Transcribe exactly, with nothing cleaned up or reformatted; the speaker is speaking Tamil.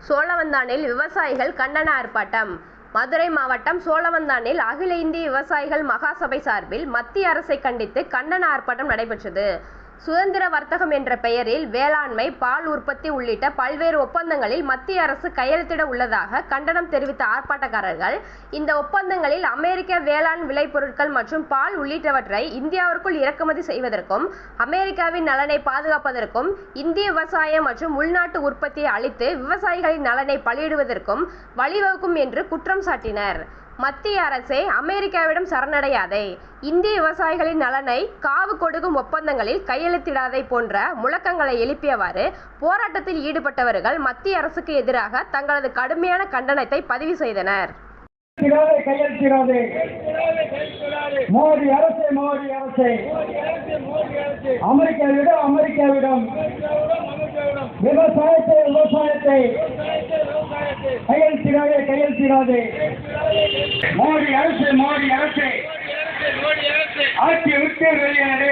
சோழவந்தானில் விவசாயிகள் கண்டன ஆர்ப்பாட்டம். மதுரை மாவட்டம் சோழவந்தானில் அகில இந்திய விவசாயிகள் மகாசபை சார்பில் மத்திய அரசை கண்டித்து கண்டன ஆர்ப்பாட்டம் நடைபெற்றது. சுதந்திர வர்த்தகம் என்ற பெயரில் வேளாண்மை, பால் உற்பத்தி உள்ளிட்ட பல்வேறு ஒப்பந்தங்களில் மத்திய அரசு கையெழுத்திட உள்ளதாக கண்டனம் தெரிவித்த ஆர்ப்பாட்டக்காரர்கள், இந்த ஒப்பந்தங்களில் அமெரிக்க வேளாண் விளைபொருட்கள் மற்றும் பால் உள்ளிட்டவற்றை இந்தியாவிற்குள் இறக்குமதி செய்வதற்கும், அமெரிக்காவின் நலனை பாதுகாப்பதற்கும், இந்திய விவசாயம் மற்றும் உள்நாட்டு உற்பத்தியை அழித்து விவசாயிகளின் நலனை பலியிடுவதற்கும் வழிவகுக்கும் என்று குற்றம் சாட்டினர். மத்திய அரசே அமெரிக்காவிடம் சரணடையாதே, இந்திய விவசாயிகளின் நலனை காவு கொடுக்கும் ஒப்பந்தங்களில் கையெழுத்திடாதே போன்ற முழக்கங்களை எழுப்பியவாறு போராட்டத்தில் ஈடுபட்டவர்கள் மத்திய அரசுக்கு எதிராக தங்களது கடுமையான கண்டனத்தை பதிவு செய்தனர். மோடி அரசே மோடி அரசே அமெரிக்காவிடம் அமெரிக்காவிடம் விவசாயத்தை விவசாயத்தை கையெழுத்திடாதே கையெழுத்திடாதே மோடி அரசு மோடி அரசு ஆட்சி விட்டு வெளியேறு.